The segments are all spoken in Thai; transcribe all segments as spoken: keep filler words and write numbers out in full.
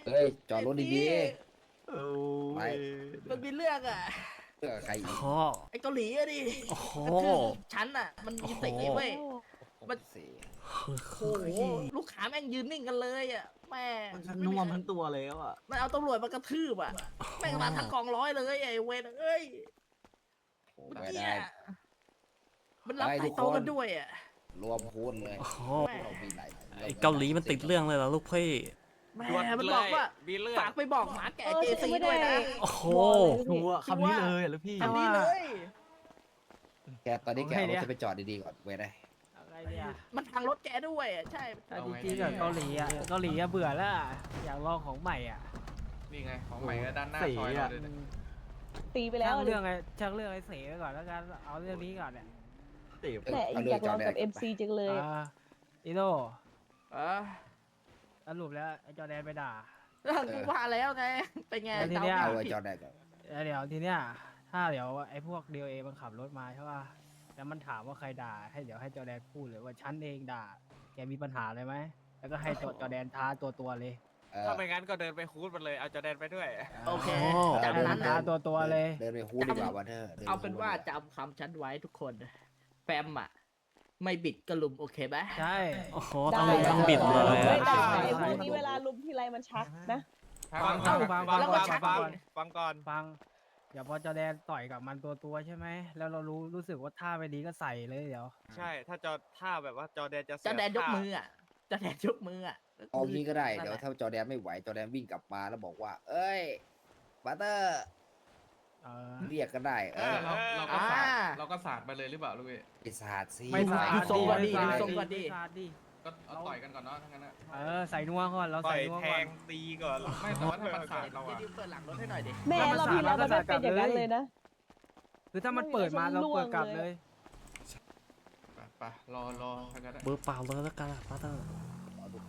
เฮ้ยจอดรถดีโอ้ๆไปยมันมีเรื่องอ่ะเพื่อใครอีกโอ้โหไอ้เกาหลีอะดิโอ้โหกระทืบฉันอ่ะมันมีเตะเว้ยมันเสียโอ้โหลูกค้าแม่งยืนนิ่งกันเลยอ่ะแม่งมันฉันน่วมทั้งตัวแล้วอ่ะมันเอาตำรวจมากระทืบอ่ะแม่งมาทั้งกองร้อยเลยไอ้เวรเอ้ยโอ้เมื่อไม่กี้ได้อะมันรับไปทุสายกโต๊ะคนกันด้วยอ่ะรวมพูดเลยโอ้โหเรามีหลายไอเกาหลีมันติดเรื่องเลยเหรอลูกพี่แม่มันบอกว่ามีเรื่องฝากไปบอกหมาแก่เออเจฉันซีไม่ได้ด้วยนะโอ้โหชัวร์คำนี้เลยอะลูกพี่ทำนี้เลยแกตอนนี้แกเอารถจะไปจอดดีๆก่อนเว้ยได้อะไรเนี่ยมันพังรถแกด้วยอะใช่แต่จริงๆกับเกาหลีอ่ะเกาหลีอะเบื่อแล้วอะอยากลองของใหม่อ่ะนี่ไงของใหม่ก็ด้านหน้าสีซอยอะเราเลยนะตีไปแล้วช่างอะดิเรื่องไอ้ช่างเรื่องไอ้เสไปก่อนแล้วกันเอาเรื่องนี้ก่อนเนี่ยติบเออแต่เอาอเรื่ยากลองกับจดแดเอ็มซีจังเลยอ่าอีโน่เออสรุปแล้วไอ้จอแดนไปด่ากูว่าแล้วไงเป็นไงแล้วทีเนี้ยดเอาไม่ไว้ผิดจอดแดก่อนแล้วเดี๋ยวทีเนี้ยถ้าเดี๋ยวไอ้พวกดีเอมันขับรถมาใช่ป่ะแล้วมันถามว่าใครด่าให้เดี๋ยวให้จอแดนพูดเลยว่าฉันเองด่าแกมีปัญหาเลยไหมแล้วก็ให้จอจอแดนท้าตัวตัวๆเลยเออถ้าไม่งั้นก็เดินไปคูดมันเลย เอาจอแดนไปด้วยโอเคโอ้จำนั้นท้านะตัวตัวๆเลยเดินไปฮูดดีกว่าวันเธอดิเอาเป็นว่าฮู้ดดีกจำคำฉันไว้ทุกคนแฟมอ่ะ ไม่บิดกระลุมโอเคไหมใช่โอ้โหได้ต้องต้องบิดเลยไม่อะได้ใช่ไอ้พวกนี้เวลาลุมทีไรมันชักนะฟังฟัฟังงฟัฟังงฟัฟังงฟัฟังงฟังก่อนฟังเดี๋ยวพอจอแดนต่อยกับมันตัวตัวๆใช่ไหมแล้วเรารู้รู้สึกว่าท่าไม่ดีก็ใส่เลยเดี๋ยวใช่ ถ้าจอถ้าแบบว่าจอแดนจะเสีจะแดนยกท่ามืออ่ะจะแดนยกมืออ่ะเอางี้ก็ได้นั่นเดี๋ยวแหละถ้าจอแดนไม่ไหวจอแดนวิ่งกลับมาแล้วบอกว่า เอ้ยบัตเตอร์เออเรียกก็ได้เอเอออเราเราก็อ่าสาดเราก็สาดไปเลยหรือเปล่าลูกเอ้ยไอ้ศาสตร์สิไม่สาดดูทรงก่อนดิไม่ดูสาทรงก่อนดิไม่สาดดิก็เอาต่อยกันก่อนเนาะทั้งนั้นนะเออใส่นัวก่อนเราต่อใส่ยนัวแทก่อนงตีก่อนไม่แต่ว่าถ้ามันสาดเราเดี๋ยวอะดิวเปิดหลังรถให้หน่อยดิแม่เราพี่แล้วมันไม่เป็นอย่างนั้นเลยนะคือถ้ามันเปิดมาเราเปิดกลับเลยไปไปรอรอทั้งนั้นอะเบอร์เปล่าเลยแล้วกันอะพาเตอร์เอาทุกคน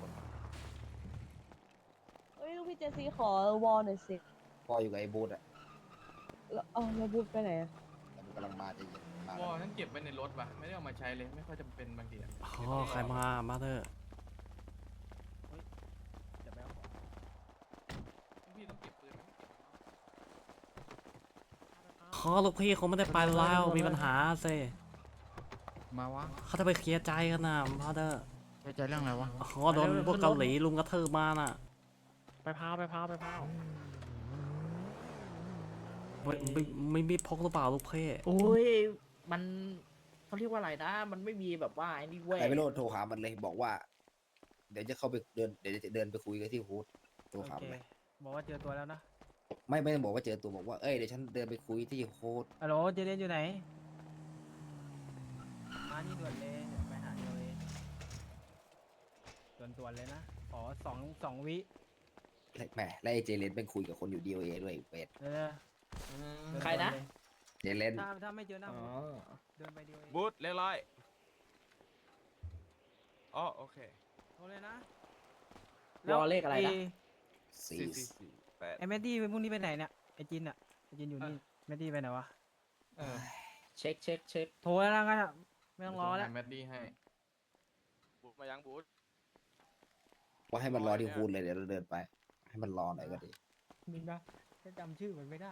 เฮ้ยลูกพี่เจซีขอวอลหน่อยสิพออยู่กับไอ้บูธอะแล้วเอาแล้วบูธไปไหนอะแล้วมันกำลังมาจะเย็นมาวอฉันเก็บไว้ในรถว่ะไม่ได้เอามาใช้เลยไม่ค่อยจำเป็นบางทีอะโอ้โหใครมามาเตอร์เดี๋ยวไปเอาของพี่ต้องเก็บปืนไหมขอลูกพี่คงไม่ได้ไปแล้วมีปัญหาสิมาวะเขาจะไปเคลียร์ใจกันนะมาเตอร์ใจใจเรื่องอะไรวะโอ้โหโดนพวกเกาหลีลุมกระทืบมาน่ะไปพาวไปพาวไปพาวไม่ไม่ไม่มีพกหรือเปล่าลูกพี่โอ้ยมันเขาเรียกว่าอะไรนะ มันไม่มีแบบว่าไอ้นี่เว้ยใครไม่รู้โทรหามันเลยบอกว่า เดี๋ยวจะเข้าไปเดินเดี๋ยวจะเดินไปคุยกันที่ฮูดโทรโอหาเคมันเลยบอกว่าเจอตัวแล้วนะไม่ไม่ต้องบอกว่าเจอตัวบอกว่าเอ้ยเดี๋ยวฉันเดินไปคุยที่ฮูดฮัลโหลเจเดนอยู่ไหนมานี่ด่วนเลยเดี๋ยวไปหาเจเองด่วนด่วนๆเลยนะขอสองสองวิแหมแล้วไอ้เจเลนเป็นคุยกับคนอยู่ดีโอเอด้วยเป็ดเดี๋ยวอืมๆใครนะเจเลนถ้าถ้าไม่เจอหน้าอ๋อเดินไปเดียวเองบูธเรียบร้อยอ๋อโอเคโทรเลยนะวอลเลขอะไรนะสี่สี่สี่สี่แปดไอ้แมดดี้พรุ่งนี้ไปไหนเนี่ยไอ้จินอะไอ้จินอยู่นี่แมดดี้ไปไหนวะเออเช็คเช็คเช็คโทรแล้วกันอะไม่ต้องรอแล้วแมดดี้ให้บูธมายังบูธว่าให้มันรอที่ฮูดเลยเดี๋ยวเราเดินไป ให้มันรอหน่อยก็ดีมินปะฉันจำชื่อมันไม่ได้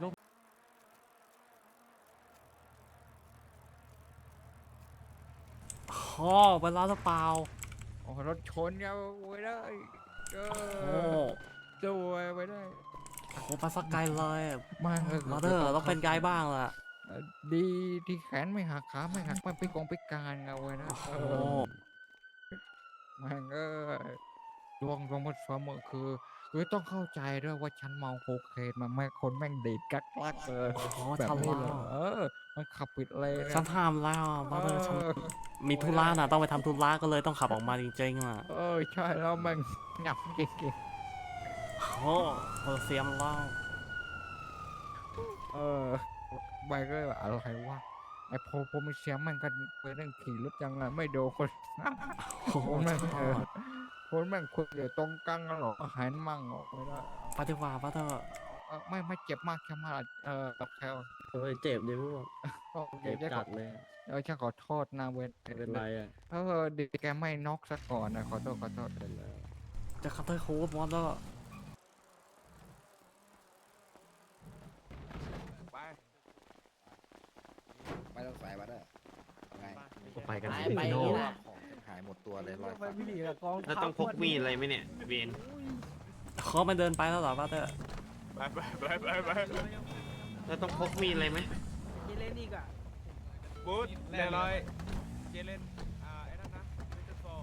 โอ้โหไปแล้วหรือเปล่าโอ้รถชนกันไว้ได้เอโอ้อตัวไว้ได้โหไปสักไกลเลยมามาเตอร์ต้องเป็นไกด์บ้างล่ะเออดีที่แขนไม่หักขาไม่หักไม่พิกงพิการเอาไว้นะโอ้โหเออแม่งเออดวงดวงมันเสมอคือคือต้องเข้าใจด้วยว่าฉันเมาโคเคนมาแม่งคนแม่งดีดกักลักเลยโอ้โหแบบฉันนี้เล่าเลยเออ มันขับปิดเลยฉันห้ามแล้วมาเตอร์ฉันมีธุระน่ะต้องไปทำธุระก็เลยต้องขับออกมาจริงๆล่ะเออใช่แล้วแม่งหยับจริงโอ้โหเออเสียมเล่าๆเออไปก็เลยแบบอะไรวะไอ้โพโพมิเชียมมันก็ไปนั่งขี่รถยังไงไม่โดนคนโอ้โหคนแม่งฉันเอรออดคนแม่งคุยเดี๋ยวตรงกลางกันหรอกหายมั่งออกไม่ได้ไปดีกว่ามาเตอร์เออไม่ไม่เจ็บมากแค่มากเออกับแค่เฮ้ยเจ็บดิพวกก็เจ็บจะขจัอดเลยเออฉันขอโทษนะเว้นเป็นไรอ่ะเออดีแกไม่น็อกซะก่อนนะขอโทษขอโทษเป็นแล้วจะคัตเตอร์โค้ดมอเตอร์ต้องใส่มาเด้อไงไปกันไปสิไปพี่โน่นี่นะของหายหมดตัวเลยรอยไปพี่หลีกับกองแล้วต้องพกมีดอะไรไหมเนี่ยเวนเขาไม่เดินไปแล้วเหรอบัตเตอร์ไปไปไปไปไปแล้วต้องพกมีดอะไรไหมเจเลนอีกอ่ะบูธเรียบร้อยเจเลนอ่าไอ้นั่นนะเวทโฟ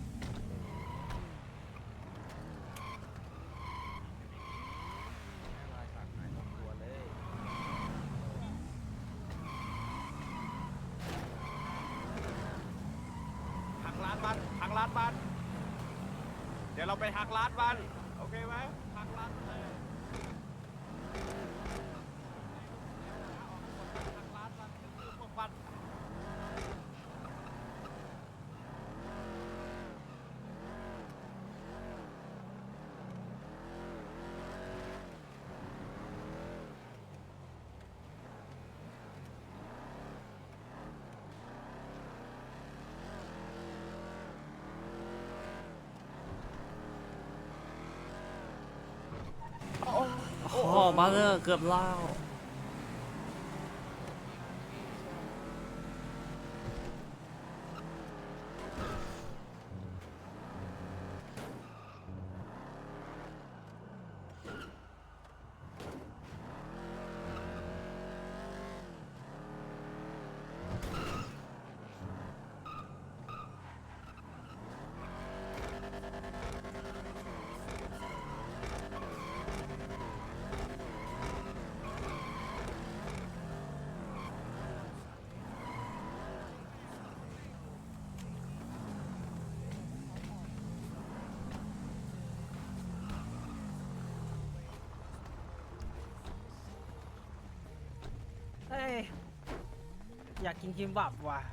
หักล้านบันหักล้านบันเดี๋ยวเราไปหักล้านบันโอเคไหมหักล้านบันเลยหักล้านบันคือพวกบันโอ้บัตเตอร์เกือบเล่าเฮ้ยอยากกินคิมบับว่ะ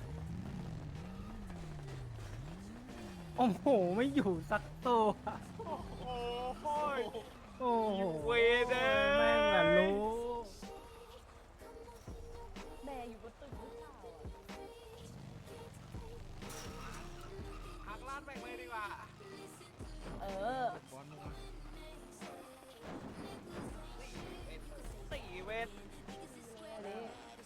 โอ้โหไม่อยู่สักตัวโอ้โหโอ้โหเวเดอแม่งอะรู้แม่อยู่บนตึกหรือเปล่าอะหักล้านแม่งเลยดีกว่าเออสี่เวทอันนี้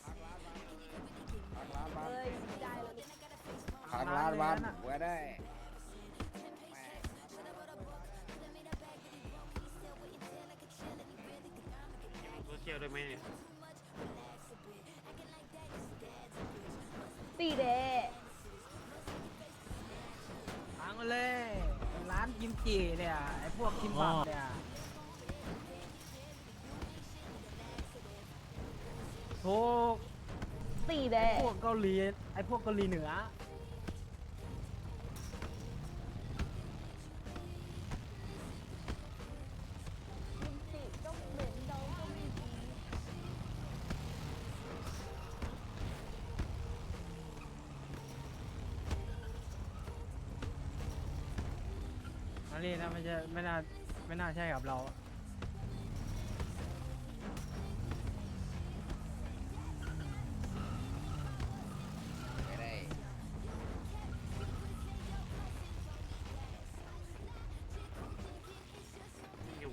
หักล้านบ้านเอ้ยได้แล้วนี่หักล้านบ้านไว้ได้โซเชียลได้ไหมตีเดทางมาเลยร้านกิมจิเนี่ยไอพวกคิมบับเนี่ยถูกตีเดพวกเกาหลีไอพวกเกาหลีเหนือกิมจิก็เหม็นเดาก็ไม่ดีอันนี้นะไม่ใช่ไม่น่าไม่น่าใช่กับเราไม่ได้อยู่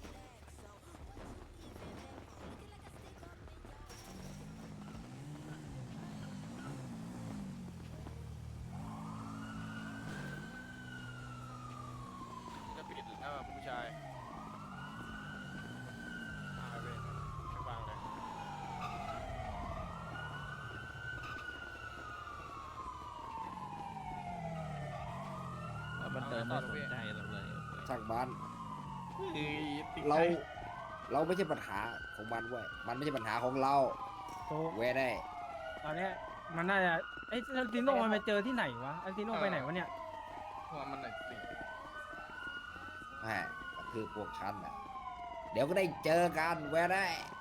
จะปิดแล้วผู้ชายอ่าเวทไม่วางเลยมันเติมไม่สนใจเราเลยช่างบ้านเรา เราไม่ใช่ปัญหาของมันเว้ยมันไม่ใช่ปัญหาของเราโตไว้ได้ตอนเนี้ยมันน่าจะไอ้อาร์ติโนมันไปเจอที่ไหนวะอาร์ติโนไปไหนวะเนี่ยว่ามันไหนสิแหมก็คือพวกฉันน่ะเดี๋ยวก็ได้เจอกันไว้ได้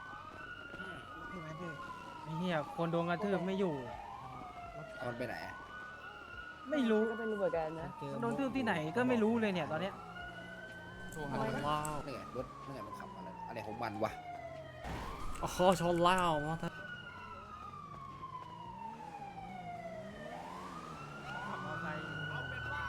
ไอ้เหี้ยคนโดนกระทืบไม่อยู่เอามันไปไหนอะไม่รู้ก็ไม่รู้เหมือนกันนะมันโดนทืบที่ไหนก็ไม่รู้เลยเนี่ยตอนเนี้ยว้าวนี่ไงรถนี่ไงมันขับมาแล้วอะไรของมันวะโอ้โหชนเล่าบัตเตอร์ขับมอเตอร์ไซค์เอาเป็นว่า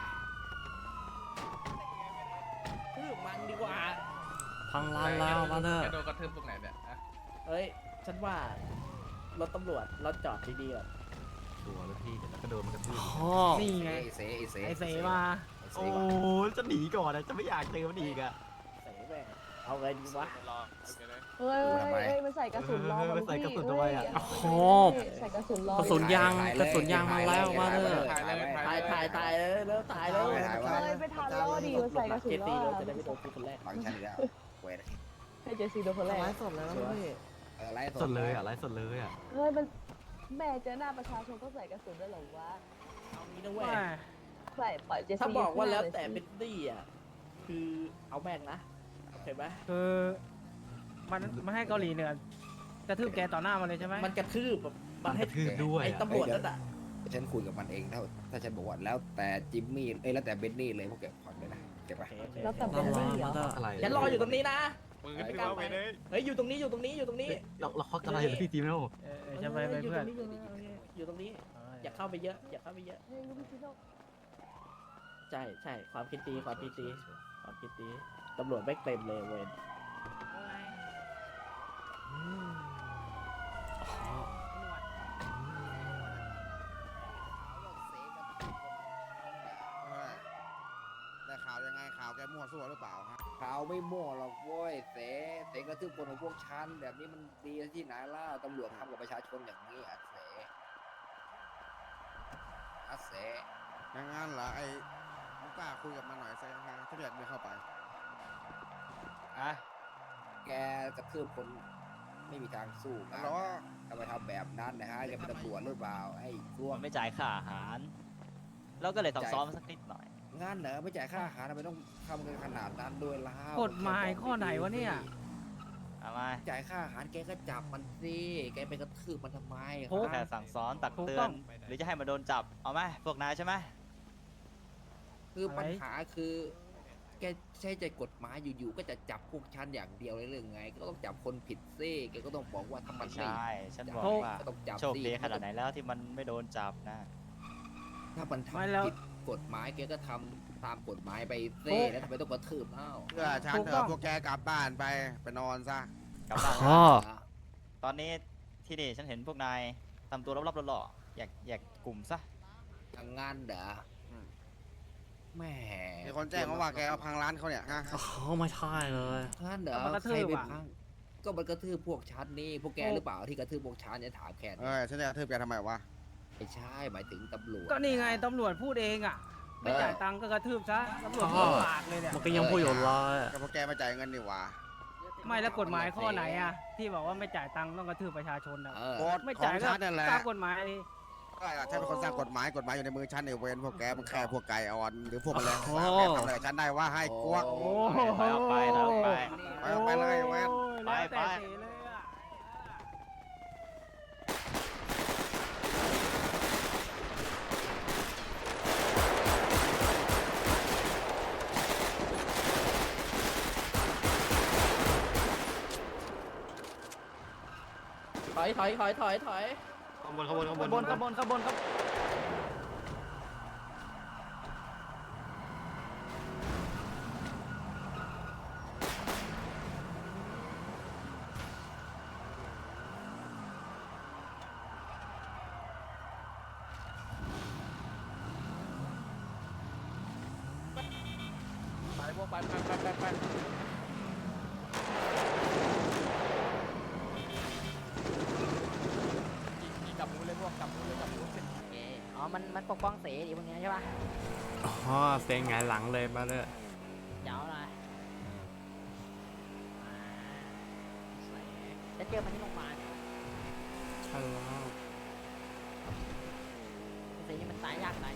คือมันดีกว่าพังร้านแล้วบัตเตอร์แกโดนกระทืบตรงไหนเนี่ยอะเฮ้ย ฉันว่ารถตำรวจรถจอดดีๆก่อนตัวแล้วพี่เดี๋ยวก็โดนมันกระทืบพ่อนี่ไงไอเสไอเสไอเสมาไอ้เสโอ้ก่อนจะหนีก่อนนะจะไม่อยากเจอมันอีกอะเสแม่งเอาไงดีวะรอโอเคเลยเฮ้ยเฮ้ยเฮ้ยมันใส่กระสุนล้อมันใส่กระสุนพี่ด้วยอะเฮ้ยโอ้ใส่กระสุนล้อกระสุนยางกระสุนยางมาแล้วมาเลยถ่ายเลยตายตายตายเลยแล้วตายแล้วถ่ายไว้เฮ้ยไปทานล้อดีมันใส่กระสุนเกล้ตีอเราจะได้ไม่โดนกูคนแรกหลังฉันอีกแล้วเว้ยให้เจซีโดนคนแรกสดแล้วพี่เออไล่สดเลยอะไลฟ์สดเลยอะเฮ้ยมันแม่เจอหน้าประชาชนต้องใส่กระสุนด้วยเหรอวะเอางี้นะเว้ยว่าใส่ปล่อยเจซีถ้าบอกว่าแล้วแต่เป็เป็น นดี้อ่ะคือเอาแม่งนะโอเคไหมคือมันมันให้เกาหลีเหนือกระทืบแกต่อหน้ามันเลยใช่ไหมมันกระทืบแบบมันให้ทืบด้วยไอ้อะตำรวจนั่นอ่ะฉันคุยกับมันเองถ้าถ้าฉันบอกว่าแล้วแต่จิมมี่เอ้ยแล้วแต่เบนนี่เลยพวกแกผ่อนเลยนะเก็บไปแล้วแต่เป็นลี่เหรออะไรฉันรออยู่ตรงนี้นะมือขึ้นที่เราไปเลยเฮ้ยอยู่ตรงนี้อยู่ตรงนี้อยู่ตรงนี้เราเราเขาอะไรเหรอพี่ทีมแล้วเออเออจะไปไปเพื่อนอยู่ตรงนี้อย่าเข้าไปเยอะอย่าเข้าไปเยอะเฮ้ยลูกพี่ชิโน่ใช่ใช่ความคิดดีความคิดดีความคิดดีตำรวจไม่เต็มเลยเว้ยได้ข่าวยังไงข่าวแกมั่วซั่วหรือเปล่าฮะข่าวไม่มั่วหรอกเว้ยเสเสกระทืบคนของพวกฉันแบบนี้มันดีที่ไหนล่ะตำรวจทำกับประชาชนอย่างนี้อ่ะเสอะเสอย่างงั้นเหรอไอ้ลูกกล้าคุยกับมันหน่อยสิฮะที่เรียกไม่เข้าไปอ่ะแกกระทืบคนไม่มีทางสู้กัฮันลโหลทำไมทำแบบนั้นนะฮะแกเป็นตำรวจหรือเปล่าไอ้กลัวมันไม่จ่ายค่าอาหาร แล้วก็เลยต้องซ้อมสักนิดหน่อยงานเหรอไม่จ่ายค่าอาหารทำไมต้องทำกันขนาดนั้นด้วยล่ะกฎหมายข้อไหนวะเนี่ยเอามาจ่ายค่าอาหารแกก็จับมันสิแกไปกระทืบมันทำไมโอ้ฮะแค่สั่งสอนตักถูกเตืต้ออน งหรือจะให้มาโดนจับ เอาไหมพวกนายใช่ไหมคือปัญหาคือ แกใช้ใจกฎหมายอยู่ๆก็จะจับพวกฉันอย่างเดียวเลยเรื่องไง ก็ต้องจับคนผิดซิแกก็ต้องบอกว่าถ้ามัไม่นไม่ใช่ ฉันบอกจัว่าก็ต้องจับโชคสิดีขนาดไหนแล้วที่มันไม่โดนจับนะถ้ามันไม่ทำแล้วผิดกฎหมายแกก็ทำตามกฎหมายไปซิโอ้แล้วทำไมต้องกระทืบเอ้าเพื่อฉันถูกเถต้ออะงพวกแกกลับบ้านไปไปนอนซะกลับบ้านพ่อตอนนี้ที่นี่ฉันเห็นพวกนายทำตัวรอบๆหล่อๆอยากอยากกลุ่มซะอย่างงั้นเหรออืมแหม่มีคนแจ้งมาว่าแกเอาพังร้านเขาเนี่ยฮะอ๋อไม่ใช่เลยงั้นเหรอมันกระทืใครบไปอะพังก็มันกระทืบพวกฉันนี่พวกแกโอ้หรือเปล่าที่กระทืบพวกฉันเนี่ยถามแค่เอนี้อฉันจะกระทืบแกทำไมวะไม่ใช่หมายถึงตำรวจก็นี่ไงตำรวจพูดเองอ่ะ ไม่จ่ายตังค์ก็กระทืบซะตำรวจอ๋พูอดปากเลยเนี่ยมันก็ยังพูดอยู่เลยก็พวกแกไม่จ่ายเงินนี่หว่าไม่แล้วกฎหมายข้อไหนอ่ะ ที่บอกว่าไม่จ่ายตังค์ต้องกระทืบประชาชนอ่ะเออโกฎไม่ขอจ่ายงก็ฉันนั่นแหละตามกฎหมายดิก็ฉันเป็นคนสร้างกฎหมายกฎหมายอยู่ในมือฉันเนี่ยเว้นพวกแกมันแค่พวกไก่อ่อนหรือพวกแมลงโอ้สาบแกทำอะไรกับฉันได้ว่าให้กวกโอ้ไปเอาไปเอาไปไปเอาไปเลยเว้นโอ้ยแล้วแต่ไปเสเลยอะถอยถอยถอยถอยถอยข้างบนข้างบนข้างบขนบวนขบวนขบวนขบวนไปพวกไปไปไปไปไปจับมือเลยพวกจับมือเลยจับมืออ๋อมันมันปกป้องเสดีพวกนี้ใช่ป่ะอ๋อเซ็งไงายหลังเลยมาเลยเดี๋ยวอะไรจะเจอมันที่โรงพยาบาลใช่แล้วเสนี่มันตายยากตาย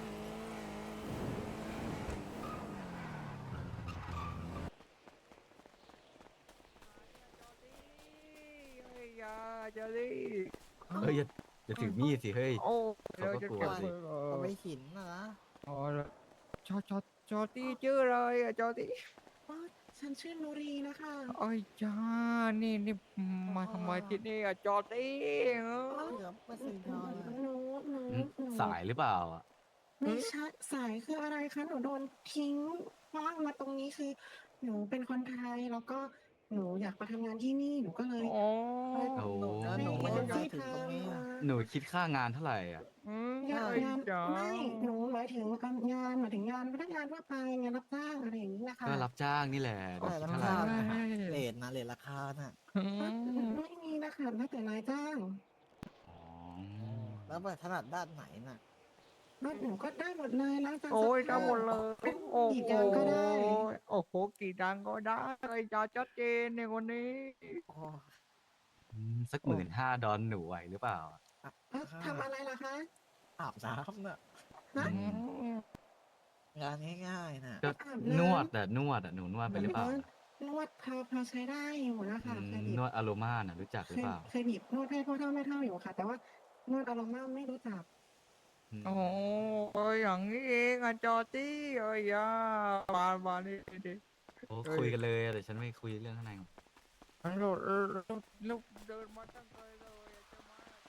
อย่าจะดิเฮ้ยอย่าอย่าถือมีดสิเฮ้ยโอ้เขาก็กลัวสิเอาไม่หินนะอ๋อจอจอจอตี้ชื่ออะไรอะจอตี้ฉันชื่อนุรีนะคะไอ้ยจ้านี่นี่มาทำไมที่นี่อะจอตี้เออเหลือเปอร์เซ็นต์น้อยหนูหนูสายหรือเปล่าอ่ะไม่ใช่สายคืออะไรคะ หนูโดนทิ้งว่างมาตรงนี้คือ หนูเป็นคนไทยแล้วก็หนูหนูอยากมาทำงานที่นี่หนูก็เลยโอ้โอ้แล้วหนูไม่ไม่ได้ได้ถึงตรงนี้อะหนูคิดค่างานเท่าไหร่อ่ะอืมงานไอ้งานจ๋าไม่หนูหมายถึงงานหมายถึงงานพนักงานทั่วไปงานรับจ้างอะไรอย่างนี้นะคะก็รับจ้างนี่แหละหนูคิดเท่าไหร่เลทนะเลทราคาน่ะอืมไม่มีนะคะแล้วแต่นายจ้างอ๋อแล้วแบบถนัดด้านไหนน่ะแล้วหนูก็ได้หมดเลยล้างจานโอ้ยซักได้ผ้าหมดเลยทุกโอ้กี่โหอย่างก็ได้โอ้โหกี่ดังก็ได้ไอ้จ๋าชัดเจนในคนนี้อืมสักหมื่นห้าดอนหนูไหวหรือเปล่าเอ้าทำอะไรล่ะคะอาบน้ำน่ะฮะอืมงานง่ายๆน่ะก็นวดแต่นวดอ่ะหนูนวดไปหรือเปล่านวดพอพอใช้ได้อยู่นะคะอืมเคยบีบนวดอโรมาน่ะรู้จักหเครือย เปล่าเคยบีบนวดให้พ่อเท่าแม่เท่าอยู่ค่ะ แต่ว่านวดอารม่าไม่รู้จักอืมโอ้โอ้ยอย่างนี้เองอะจอตี้เอ้ยยาบานบานนี่ดิโอ้คุยกันเลยแต่ฉันไม่คุยเรื่องข้างในหรอกแล้วแล้วแล้วเดินมาตั้งไกลเลยอะจะมา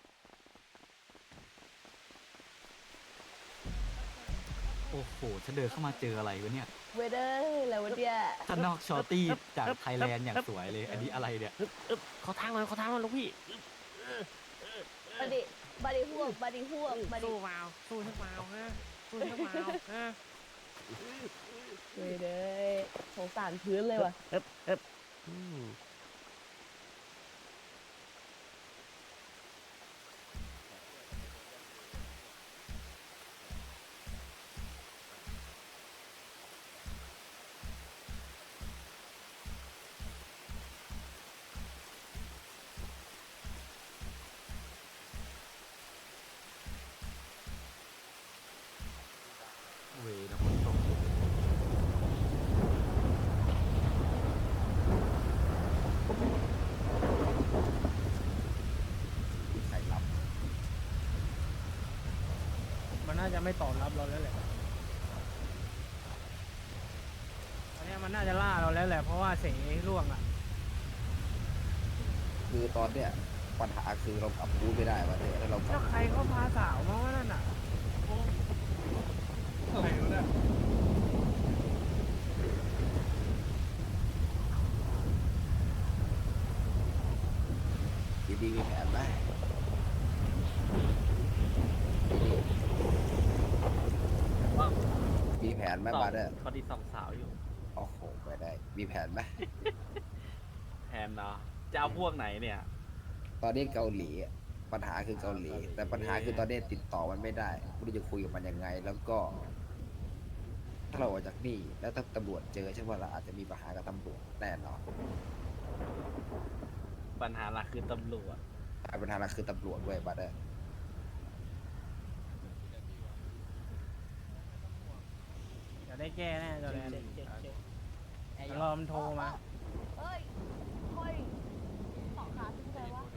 โอ้โหฉันเดินเข้ามาเจออะไรวะเนี่ยเวเดอร์แล้ววันเดียข้างนอกชอตตี้จากไทยแลนด์อย่างสวยเลย อันนี้อะไรเนี่ยอึ๊บอึ๊บขอทางหน่อยขอทางหน่อยลูกพี่อึ๊บเออเออเอบัอดดี้บัดดี้ห่วงบัดดี้ห่วงบัดดี้สู้เปล่าสู้ใช่เปล่าฮะสู้ใช่เปล่าฮะเวเดอร์สงสารพื้นเลยว่ะเอ๊บเอ๊บอืมเวนะฝนตกใครรับมันน่าจะไม่ตอบรับเราแล้วแหละตอนเนี้ยมันน่าจะล่าเราแล้วแหละ เพราะว่าเสร่วงอ่ะคือตอนเนี้ยปัญหาคือเรากลับรู้ไม่ได้ว่าเนี่ยแล้วเรากลัแล้บวใครเขาพาสาวมาว่านั่นอ่ะอะไรวะเนี่ยดีๆมีแผนไหมมีแผนไหมบาเดอร์พอดีสองสาวอยู่โอ้โหไม่ได้ มีแผนไหมแทนเนาะจะเอาพวกไหนเนี่ยตอนนี้เกาหลีอะปัญหาคือเกาหลี แต่ปัญหาคือตอนนี้ติดต่อมันไม่ได้ไม่รู้จะคุยกับมันยังไง แล้วก็ ถ้าเราออกจากนี่แล้วถ้าตำรวจเจอใช่ไหมเราอาจจะมีปัญหากับตำรวจแน่นอนปัญหาหลักคือตำรวจปัญหาหลักคือตำรวจด้วยบาเดอร์เดี๋ยวได้แก้แน่จอแดนเช็คเช็คเช็คเดี๋ยวรอมันโทรมาเฮ้ยเฮ้ยต่อขาจะไปวะ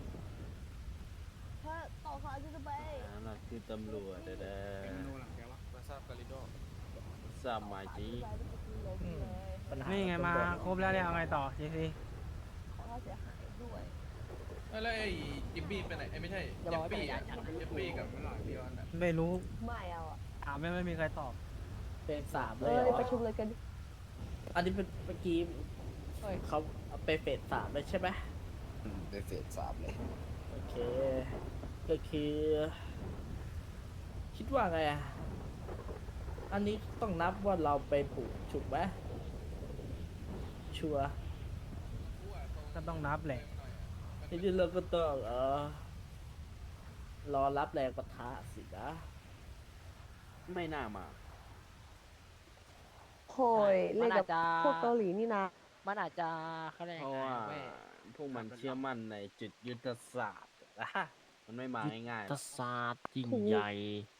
ถ้าต่อขาจะไปปัญหาหลักคือตำรวจเด้อเด้อมาทราบกาลิโดสามาจีปัญหานี่ไงมาครบแล้วเนี่ยเอาไงต่อจีซีขอค่าเสียหายด้วยแล้วไอ้จิบบี้ไปไหนไอ้ไม่ใช่เจฟฟี่อะเจฟฟี่กับพี่ออนอะไม่รู้ไม่เอาอ่ะถามไม่ไม่มีใครตอบเป็นสามเลเอ้ยยเหรอประชุมเลยกันอันนี้เป็นเมื่อกี้เขาเอาไปเฟสสามเลยใช่ไหมอืมเป็นเฟสสามเลยโอเค ก็คือ คิดว่าไงอะอันนี้ต้องนับว่าเราไปปลูกถูกไหมชัวร์ก็ต้องนับแหละทีนี้เราก็ต้องเออรอรับแรงปะทะสินะไม่น่ามาโอยมัเล่นนอากัจบจะพวกเกาหลีนี่นะมันอาจจะเขาเรียกเพยังราะไงว่าเว้ยพวกมันเชื่อมั่นในจุดยุทธศาสตร์นะมันไม่มาง่ายๆหรทอกศาสตร์ยิ่งถูกใหญ่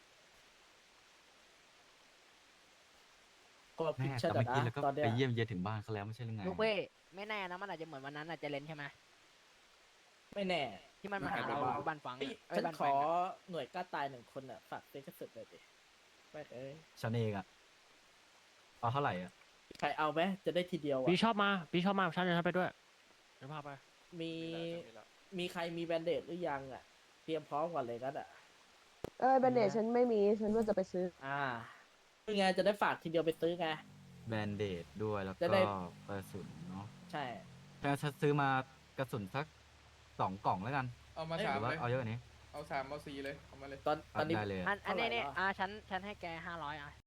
ก็พิแม่ชแต่ดาเมื่อกี้เราก็ตอนเนี้ไปยเยี่ยมเยียนถึงบ้านเขาแล้วไม่ใช่หรือไงลูกเว้ยไม่แน่นะ มันอาจจะเหมือนวันนั้นอาจจะเล่นใช่ไหมไม่แน่ที่มันมาหาเราบ้านฟังเอ้ยเอ้ยฉันบ้านขฟัอง หน่วยกล้าตายหนึ่งคนอ่ะ ฝากเป็นกระสุนเลยดิไปเอ้ยฉันเองอะเอาเท่าไหร่อะใครเอาไหมจะได้ทีเดียวอ่ะพี่ชอบมา พี่ชอบมาฉันจะไปด้วยเดี๋ยวพาไปมีมีใครมีแบนเดดหรือยังอ่ะ เตรียมพร้อมก่อนเลยกันอ่ะเอ้ยแบนเดจฉันไม่มี ฉันว่าจะไปซื้ออ่าคือไงจะได้ฝากทีเดียวไปซื้อไงแบนเดดด้วยแล้วจะก็ได้กระสุนเนาะใช่แต่ฉันซื้อมากระสุนสักสองกล่องแล้วกันเอามาหสามรือว่าเลยเอาเยอะกว่านี้เอาสามเอาสี่เลยเอามาเลยตอนตอนนี้ได้เลยอันอันนี้เท่าไหร่นี่วะอ่าฉันฉันให้แกห้าร้อยอ่ะ